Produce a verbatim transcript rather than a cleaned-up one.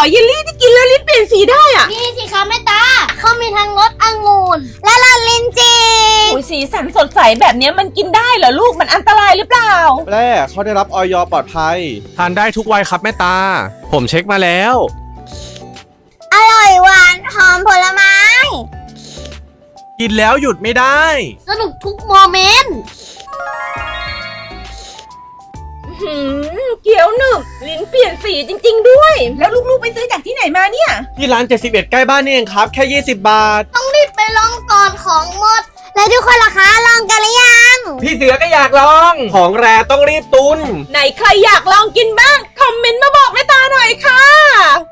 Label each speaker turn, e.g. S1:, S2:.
S1: เยลลี่ที่กินแล้วลิ้นเปลี่ยนสีได้อ่ะ
S2: นี่สิคะแม่ตาเขามีทั้งรสองุ่นและรสลิ้นจี่
S1: อุ้ยสีสันสดใสแบบนี้มันกินได้เหรอลูกมันอันตรายหรือเปล่า
S3: แรกเขาได้รับออยปลอดภัย
S4: ทานได้ทุกวัยครับแม่ตา ผมเช็คมาแล้ว
S2: อร่อยหวานหอมผลไม้
S4: กินแล้วหยุดไม่ได้
S2: สนุกทุกโมเมนต์
S1: หืมเกี๊ยวหนึบลิ้นเปลี่ยนสีจริงๆด้วย แล้วลูกๆไปซื้อจากที่ไหนมาเนี่ย
S3: ที่ร้านเจ็ดสิบเอ็ดใกล้บ้านนี่เองครับแค่ยี่สิบบาท
S2: ต้องรีบไปลองก่อนของหมด และทุกคนล่ะคะลองกันหรือยัง
S3: พี่เสือก็อยากลอง ของแรต้องรีบตุน
S1: ไหนใครอยากลองกินบ้างคอมเมนต์มาบอกแม่ตาหน่อยค่ะ